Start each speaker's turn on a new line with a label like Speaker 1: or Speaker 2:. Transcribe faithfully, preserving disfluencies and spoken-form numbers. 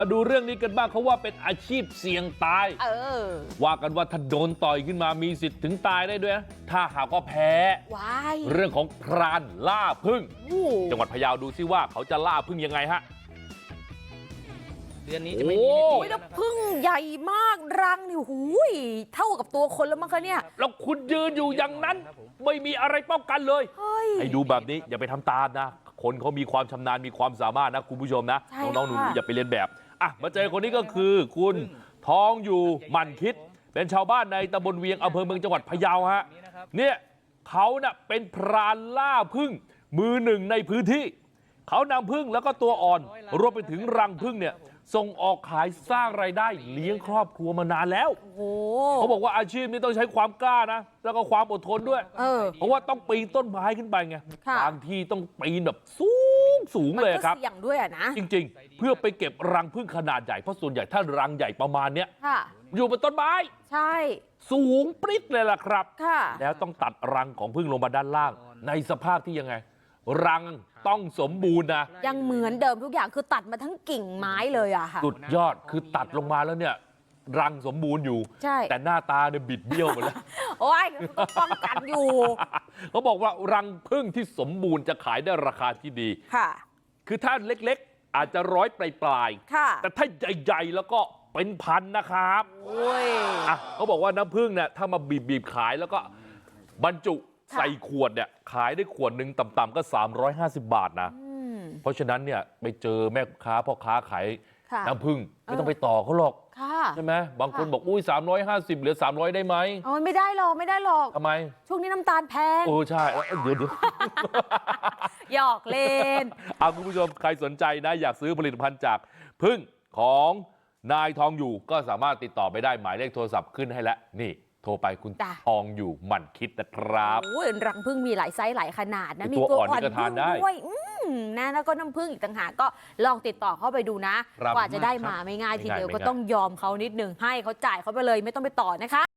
Speaker 1: มาดูเรื่องนี้กันบ้างเขาว่าเป็นอาชีพเสี่ยงตายเออว่ากันว่าถ้าโดนต่อยขึ้นมามีสิทธิ์ถึงตายได้ด้วยนะถ้าหากว่าแพ้เรื่องของพรานล่าผึ้งจังหวัดพะเยาดูซิว่าเขาจะล่าผึ้งยังไงฮะ
Speaker 2: เดือนนี้จะไม่มีโอ้ย
Speaker 3: แล้วผึ้งใหญ่มากรังนี่หูยเท่ากับตัวคนแล้วมั้งคะเนี่ย
Speaker 1: แล้วคุณยืนอยู่อย่างนั้นไม่มีอะไรป้องกันเลยให้ดูแบบนี้อย่าไปทำตามนะคนเขามีความชำนาญมีความสามารถนะคุณผู้ชมนะน้องๆหนูๆอย่าไปเรียนแบบอ่ะมาเจอคนนี้ก็คือคุณทองอยู่หมั่นคิดเป็นชาวบ้านในตำบลเวียงอำเภอเมืองจังหวัดพะเยาฮะเนี่ยเขาเน่ะเป็นพรานล่าผึ้งมือหนึ่งในพื้นที่เขานำผึ้งแล้วก็ตัวอ่อนรวมไปถึงรังผึ้งเนี่ยส่งออกขายสร้างรายได้เลี้ยงครอบครัวมานานแล้วเขาบอกว่าอาชีพนี้ต้องใช้ความกล้านะแล้วก็ความอดทนด้วยเออเพราะว่าต้องปีนต้นไม้ขึ้นไปไงบางที่ต้องปีนแบบสูงสูงเลยครับ
Speaker 3: เสี่ยงด้วยนะ
Speaker 1: จริงๆเพื่อไปเก็บรังผึ้งขนาดใหญ่เพราะส่วนใหญ่ถ้ารังใหญ่ประมาณเนี้ยอยู่บนต้นไม้
Speaker 3: ใช่
Speaker 1: สูงปริ๊ดเลยล่ะครับแล้วต้องตัดรังของผึ้งลงมาด้านล่างในสภาพที่ยังไงรังต้องสมบูรณ์นะ
Speaker 3: ยังเหมือนเดิมทุกอย่างคือตัดมาทั้งกิ่งไม้เลยอะค่ะ
Speaker 1: สุดยอดคือตัดลงมาแล้วเนี่ยรังสมบูรณ์อยู่แต่หน้าตาเนี่ยบิดเบี้ยวหมดแล้ว
Speaker 3: โอ้ยป้องกันอยู่
Speaker 1: เขาบอกว่ารังผึ้งที่สมบูรณ์จะขายได้ราคาที่ดี
Speaker 3: ค่ะ
Speaker 1: คือถ้าเล็กๆอาจจะร้อยปลายๆแต่ถ้าใหญ่ๆแล้วก็เป็นพันนะครับ
Speaker 3: โอ้ย
Speaker 1: อ่ะเขาบอกว่าน้ำผึ้งเนี่ยถ้ามาบีบๆขายแล้วก็บรรจุใส่ขวดเนี่ยขายได้ขวดหนึ่งต่ำๆก็สามร้อยห้าสิบบาทนะเพราะฉะนั้นเนี่ยไปเจอแม่ค้าพ่อค้าขายน้ำผึ้งไม่ต้องไปต่อเขาหรอกใช่ไหมบางคนบอกอุ้ยสามร้อยห้าสิบเหลือสามร้อยได้ไหม
Speaker 3: โอ้ยไม่ได้หรอกไม่ได้หรอก
Speaker 1: ทำไม
Speaker 3: ช่วงนี้น้ำตาลแพง
Speaker 1: โอ้ใช่เดี๋ยวเดี๋ยว
Speaker 3: หยอกเล่น
Speaker 1: เอาคุณผู้ชมใครสนใจนะอยากซื้อผลิตภัณฑ์จากผึ้งของนายทองอยู่ก็สามารถติดต่อไปได้หมายเลขโทรศัพท์ขึ้นให้แล้วนี่โทรไปคุณทองอยู่หมั่นคิดนะครับ
Speaker 3: โอ้ยรังผึ้งมีหลายไซส์หลายขนาดนะ
Speaker 1: มีตัวอ่อนก็ทานได้
Speaker 3: ด้วยนะแล้วก็น้ำผึ้งอีกต่างหากก็ลองติดต่อเข้าไปดูนะกว่าจะได้มาไม่ง่ายทีเดียวก็ต้องยอมเขานิดนึงให้เขาจ่ายเขาไปเลยไม่ต้องไปต่อนะคะ